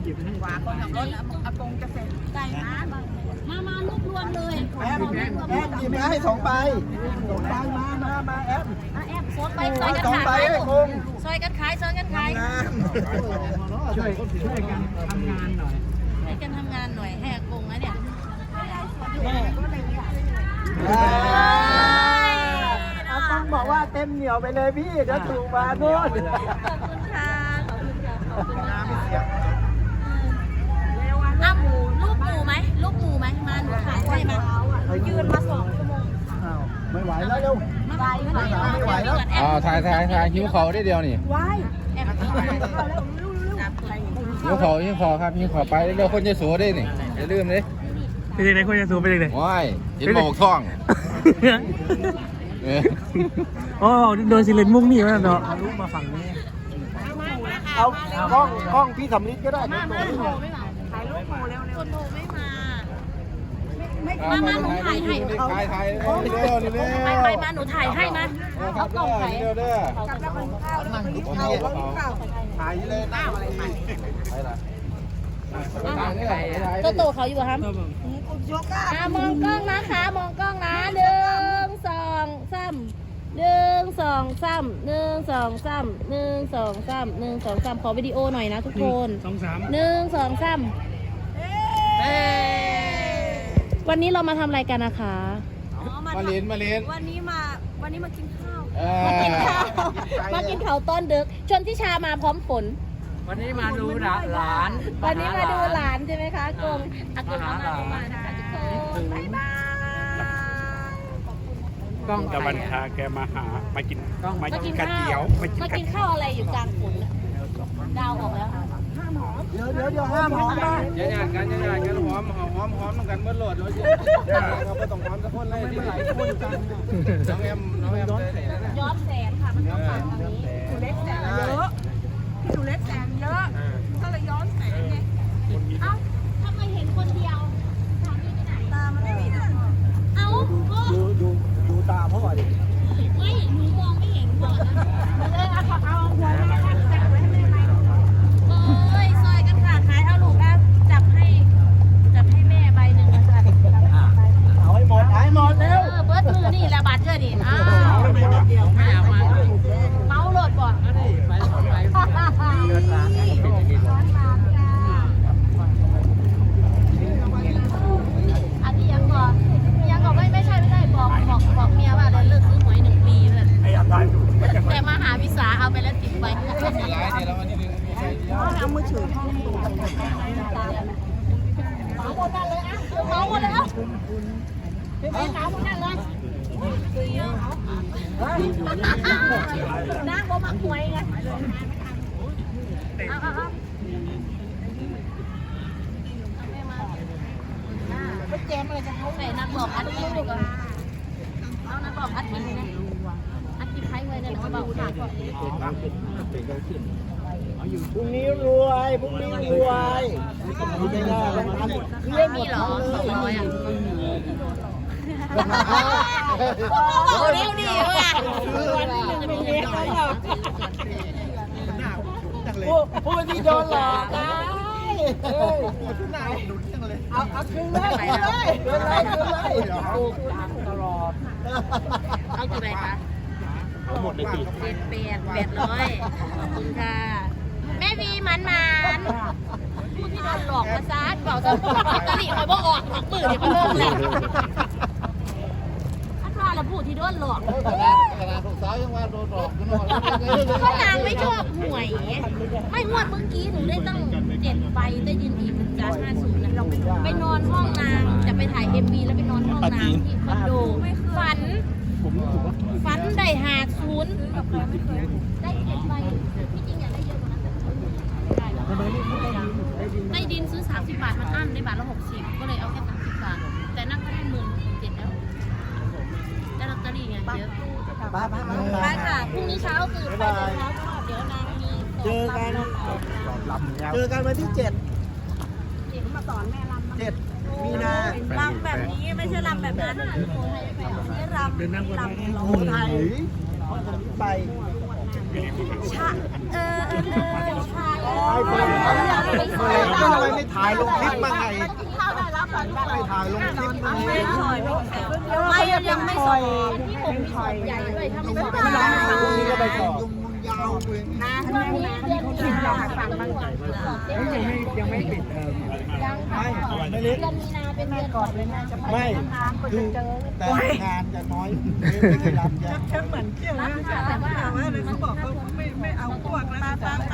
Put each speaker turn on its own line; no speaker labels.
ขวาคนขับรถอากงจะเสร็จไก่มาลูกรวมเลย
แอมหยิบให้2 ใบมาแอม
แอบซดไปซอยกันขายซอยกันขายซอยกันขาย
ช่วยกันทำงานหน่อย
ให้กันทำงานหน่อยให้อากงนะเนี่ย
เอาต้องบอกว่าเต็มเหนียวไปเลยพี่เดี๋ยวถูกมาด้วย
ขอบคุณค่ะขอบคุณค่ะขอบคุณค่ะอ้าวลูกหมูไหมมาหนูขายให้มายืนมา2 ชั่วโมง
ไม่ไหวแล้วเร็วไม่ไหวแล้ว
ถ่ายหิวเขาได้เดียวนี่
แอบ
หิวเขาครับหิวเขาไปเร็วคนจะสูได้นี่อย่าลืมเลย
เป็นยังไงคนจะสูเป็นยังไง
ว้ายเห็นหมอกท่อง
โอ้โดนสิเลนมุ้งนี่มาเนาะลูกมาฝั่งนี้
เอากล้องพี่สำลิดก็ได้
ถ่ายรูปหมูเร็วคนโทรไม่มาหนูถ่ายให้
ถ่ายเร็ว
ไปมาหนูถ่ายให้มาเอากล่องถ่าย
เร็วเด้อ
ถ่ายเลยหน้าอะไรใหม่
โตเขาอยู่ครับมองกล้องนะคะมองกล้องนะ1 2 3 1 2 3 1 2 3 1 2 3 1 2 3ขอวิดีโอหน่อยนะทุกคน1 2 3วันนี้เรามาทำอะไรกันนะคะ
มาเล่น
วันนี้มากินข้าวมากินข้าวต้นดึกชนทิชามาพร้อมฝน
วันนี้มาดูหลาน
วันนี้มาดูหลานใช่ไหมคะอากงมานะคะทุกคนบ๊ายบาย
กล้องตะวันพาแกมาหามากินกระเจียว
มากินข้าวอะไรอยู่กลางฝนดาวออกแล้ว
เดี๋ยวห้ามหอมนะ
อย่ากันหอมกันเมื่อโหลดเราไม่ต้องหอมสักคนเลยที่หลายคนกันน้องแอม
ย้อนแสงค่ะมันต้องฟังทางนี้ดูเล็กแสงเยอะดูเล็กแสงเยอะก็เลยย้อนแสงไงเอ้าทำไมเห็นคนเดียวสามีไปไหนตามันไม่มีนะเอ้า
ดูตาพ่อดิ
ไม่หนูมองไม่เห็นก่อนนะเอาหัวแม่จับไว้ให้แม่ไหมซอยกันค่ะขายเอาลูกนะจับให้แม่ใบหนึ่งค่ะ
เอาให้หมดเร็ว
เบิร์ดมือนี่ละบาทเจอดิเมาโหลดก่อนอันนี้ยังก่อนไม่ใช่บอกเมียว่าเลิกซื้อหวย1 ปีเลยแต่มาหาวิสาเอาไปแล้ว10 ใบเอามือถือเมาหมดเลยอ่ะพี่เมาหมดนั่นเลยนั่งบ่มาหวยไงไปแจมอะไรจะเขาไหนนักบอกอัดคลิปกันเอานักบอกอัดคลิปนะอัดคลิปใครไว้เนี่ยเขาบอกค่ะ
พรุ่งนี้รวยไม่ได้แล้วทำเรื่องหมด
เหรอ200อ่ะโอ้เร็วดีว่ะ
ผู้ที่โดนหลอกได้เอาคืนเลยตลอด
เอากี่ใบคะ
หมดเลยสิ
800ขอบคุณค่ะแม่วีมันผู้ที่โดนหลอกมาซัดเปล่าจะลอตเตอรี่คอยบ่ออกหักมือเนี่ยก็เลิกแล้วถ้าว่าเราพูดที่โดนหลอก
ขนาดลูกสาวยังว่าโดนหลอกกันหมด
ก็นางไม่ชอบหวยไม่งวดเมื่อกี้หนูได้ตั้ง7 ใบได้ยินอีกจาก50นะไปนอนห้องนางจะไปถ่าย MV แล้วไปนอนห้องนางที่คอนโดฝันได้50ได้7 ใบที่จริงอยากได้เยอะกว่านั้นได้ดินซื้อ30 บาทมันอั้นได้บาทละ60ก็เลยเอาแค่30 บาทแต่นั่งก็ได้17,000แล้วได้ลอตเตอรี่ไงเยอะไปค่ะพรุ่งนี้เช้าคือไปเช้าก็เดี๋ยวนางมี
เจอกันวันที่7
มาสอนแม่รำ
7 มีนา
รำแบบนี้ไม่ใช่รำแบบนั้นนี่รำ
โอ้ไทยไป
ชาชา
ไปทำไมไม่ถ่ายลงคลิปบ้างไงไม่ถ่ายลงคลิปบ้างไง
ไม่ยังไม่ส่งที่ผมมีส่วนใหญ่ด้วยถ้าไม่ส่ง
ไม่ได้พรุ่งนี้ก็ไปสอบยาวเลย
นะช่วงนี้เดือนมีนายังไม่ปิดยังค่ะเดือนมีนาเป็นเดือนก่อนเลยนะจะไป
ไม่คือแต่งานจะน้อยไม่ได้รับจะ
เหมือนเที่ยวนะแต่ว่าเขาบอกเขาไม่เอาพวกแล้ว